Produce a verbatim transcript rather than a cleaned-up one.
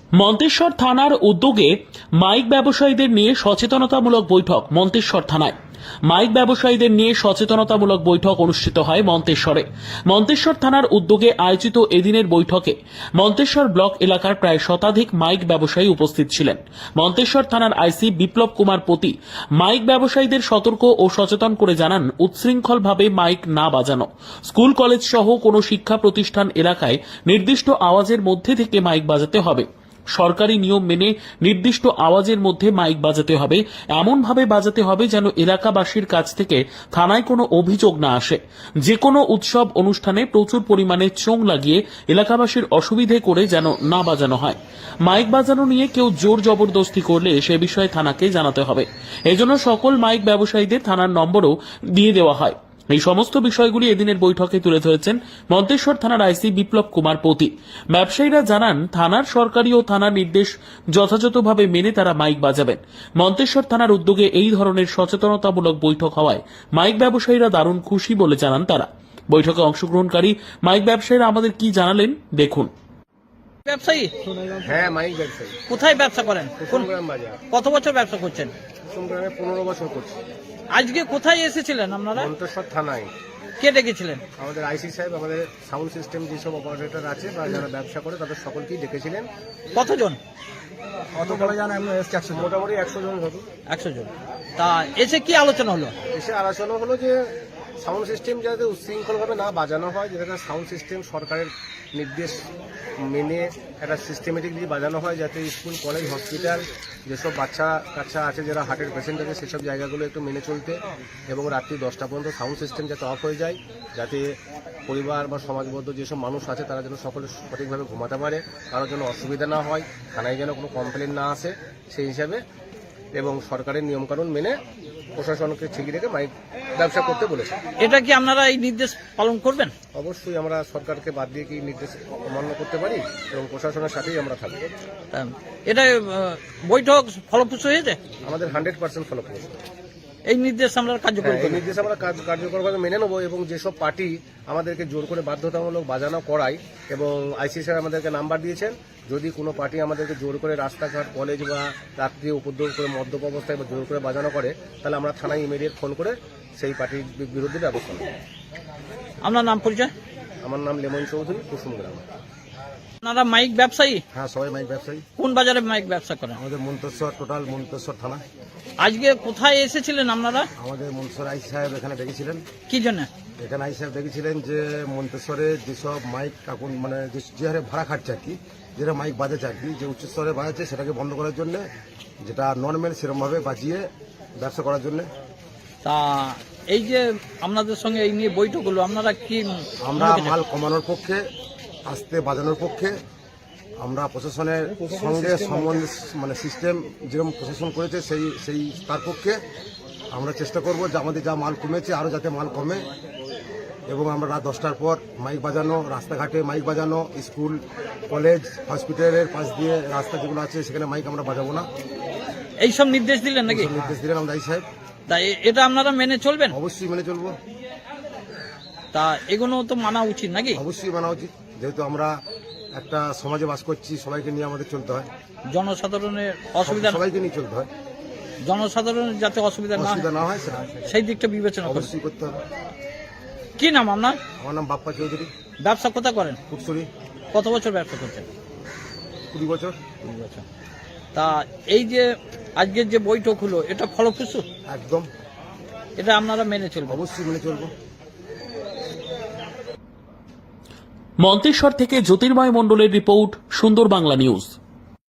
মন্তেশ্বর থানার উদ্যোগে মাইক ব্যবসায়ীদের নিয়ে সচেতনতামূলক বৈঠক মন্তেশ্বর থানায়। মাইক ব্যবসায়ীদের নিয়ে সচেতনতামূলক বৈঠক অনুষ্ঠিত হয় মন্তেশ্বরে। মন্তেশ্বর থানার উদ্যোগে আয়োজিত এদিনের বৈঠকে মন্তেশ্বর ব্লক এলাকার প্রায় শতাধিক মাইক ব্যবসায়ী উপস্থিত ছিলেন। মন্তেশ্বর থানার আইসি বিপ্লব কুমার পতি মাইক ব্যবসায়ীদের সতর্ক ও সচেতন করে জানান, উচ্ছৃঙ্খলভাবে মাইক না বাজানো, স্কুল কলেজ সহ কোনো শিক্ষা প্রতিষ্ঠান এলাকায় নির্দিষ্ট আওয়াজের মধ্যে থেকে মাইক বাজাতে হবে। সরকারি নিয়ম মেনে নির্দিষ্ট আওয়াজের মধ্যে মাইক বাজাতে হবে, এমনভাবে বাজাতে হবে যেন এলাকাবাসীর কাছ থেকে থানায় কোনো অভিযোগ না আসে। যে কোনো উৎসব অনুষ্ঠানে প্রচুর পরিমাণে চোং লাগিয়ে এলাকাবাসীর অসুবিধে করে যেন না বাজানো হয়। মাইক বাজানো নিয়ে কেউ জোর জবরদস্তি করলে সে বিষয়ে থানাকে জানাতে হবে। এজন্য সকল মাইক ব্যবসায়ীদের থানার নম্বরও দিয়ে দেওয়া হয়। এই সমস্ত বিষয়গুলি এদিনের বৈঠকে তুলে ধরেছেন মন্তেশ্বর থানার আইসি বিপ্লব কুমার পতি। ব্যবসায়ীরা জানান, থানার সরকারি ও থানার নির্দেশ যথাযথভাবে মেনে তারা মাইক বাজাবেন। মন্তেশ্বর থানার উদ্যোগে এই ধরনের সচেতনতামূলক বৈঠক হওয়ায় মাইক ব্যবসায়ীরা দারুণ খুশি বলে জানান তারা। বৈঠকে অংশগ্রহণকারী মাইক ব্যবসায়ীরা আমাদের কি জানালেন দেখুন। ব্যবসায়ী? হ্যাঁ, মাইক ব্যবসায়ী। কোথায় ব্যবসা করেন? কোন গ্রাম বাজার? কত বছর ব্যবসা করছেন? গ্রামে পনেরো বছর করছি। আজকে কোথায় এসেছিলেন আপনারা? মন্তেশ্বর থানায়। কে ডেকেছিলেন? আমাদের আইসি সাহেব, আমাদের সাউন্ড সিস্টেম যেসব অপারেটর আছে বা যারা ব্যবসা করে তাদের সকলকেই ডেকেছিলেন। কতজন? কত বলা জানা মোটামুটি একশো জন হবে। একশো জন। তা এসে কি আলোচনা হলো? এসে আলোচনা হলো যে সাউন্ড সিস্টেম যাতে উচ্ছৃঙ্খলভাবে না বাজানো হয়, যেটা সাউন্ড সিস্টেম সরকারের নির্দেশ মেনে একটা সিস্টেমেটিক দিয়ে বাজানো হয়, যাতে স্কুল কলেজ হসপিটাল যেসব বাচ্চা কাচ্চা আছে যারা হার্টের পেশেন্ট আছে সেসব জায়গাগুলো একটু মেনে চলতে, এবং রাত্রি দশটা পর্যন্ত সাউন্ড সিস্টেম যাতে অফ হয়ে যায়, যাতে পরিবার বা সমাজবদ্ধ যেসব মানুষ আছে তারা যেন সকলে সঠিকভাবে ঘুমাতে পারে, কারোর যেন অসুবিধা না হয়, থানায় যেন কোনো কমপ্লেন না আসে সেই হিসাবে, এবং সরকারের নিয়মকানুন মেনে প্রশাসনকে ঠিকই রেখে মাইক ব্যবসা করতে বলেছে। এটা কি আপনারা এই নির্দেশ পালন করবেন? অবশ্যই আমরা সরকারকে বাদ দিয়ে কি নির্দেশ অমান্য করতে পারি, এবং প্রশাসনের সাথেই আমরা থাকবো। এটা বৈঠক ফলপ্রসূ হয়েছে? আমাদের হান্ড্রেড পার্সেন্ট ফলপ্রসূ। এই নির্দেশ আমরা কার্যকর এই নির্দেশ আমরা কার্যকরভাবে মেনে নেবো, এবং যেসব পার্টি আমাদেরকে জোর করে বাধ্যতামূলক বাজানো করায়, এবং আইসি স্যার আমাদেরকে নাম্বার দিয়েছেন, যদি কোনো পার্টি আমাদেরকে জোর করে রাস্তাঘাট কলেজ বা রাত্রি উপদ্রব করে মদ্যপ অবস্থায় বা জোর করে বাজানো করে, তাহলে আমরা থানায় ইমিডিয়েট ফোন করে সেই পার্টির বিরুদ্ধে ব্যবস্থা নেব। আপনার নাম পরিচয়? আমার নাম লেমন চৌধুরী, কুসুমগ্রাম। আপনারা মাইক ব্যবসায়ী? হ্যাঁ, সবাই মাইক ব্যবসায়ী। কোন বাজারে মাইক ব্যবসা করেন? আমাদের মন্তেশ্বর, টোটাল মন্তেশ্বর থানা। আজকে কোথায় এসেছিলেন আপনারা? আমাদের মন্তেশ্বর আইসি সাহেব এখানে ডেকেছিলেন। কি জন্য এখানে আইসি সাহেব ডেকেছিলেন? যে মন্তেশ্বরে যেসব মাইক এখন মানে যে হারে ভাড়া খাটছে আর কি, যেটা মাইক বাজাচ্ছে আর কি, যে উচ্চস্তরে বাজাচ্ছে সেটাকে বন্ধ করার জন্য, যেটা নর্মাল সেরকমভাবে বাজিয়ে ব্যবসা করার জন্য। তা এই যে আপনাদের সঙ্গে এই নিয়ে বৈঠক হলো, আপনারা কি? আমরা মাল কমানোর পক্ষে, আস্তে বাজানোর পক্ষে। আমরা প্রশাসনের সঙ্গে সম্বন্ধ মানে সিস্টেম যেরকম প্রশাসন করেছে সেই সেই তার পক্ষে আমরা চেষ্টা করব যে আমাদের যা মাল কমেছে আরও যাতে মাল কমে, এবং আমরা রাত দশটার পর মাইক বাজানো, রাস্তাঘাটে মাইক বাজানো, স্কুল কলেজ হসপিটালের পাশ দিয়ে রাস্তা যেগুলো আছে সেখানে মাইক আমরা বাজাবো না। এইসব নির্দেশ দিলেন নাকি? নির্দেশ দিলেন আমাদের আইসি সাহেব। তাই এটা আপনারা মেনে চলবেন? অবশ্যই মেনে চলবো। তা এগুলো তো মানা উচিত নাকি? অবশ্যই মানা উচিত, যেহেতু আমরা একটা সমাজে বাস করছি, সবাইকে নিয়ে আমাদের চলতে হয়। জনসাধারণের অসুবিধা সবাইকে নিয়ে চলতে হয়, জনসাধারণের যাতে অসুবিধা না না হয় সেই দিকটা বিবেচনা অবশ্যই করতে হবে। কি নাম আপনার? আমার নাম বাপ্পা চৌধুরী। ব্যবসা কোথা করেন? ফুটসুরি। কত বছর ব্যবসা করছেন? কুড়ি বছর। কুড়ি বছর। তা এই যে আজকের যে বৈঠক হলো, এটা ফলপ্রসূ? একদম। এটা আপনারা মেনে চলবেন? অবশ্যই মেনে চলবো। মন্তেশ্বর থেকে জ্যোতির্ময় মণ্ডলের রিপোর্ট, সুন্দর বাংলা নিউজ।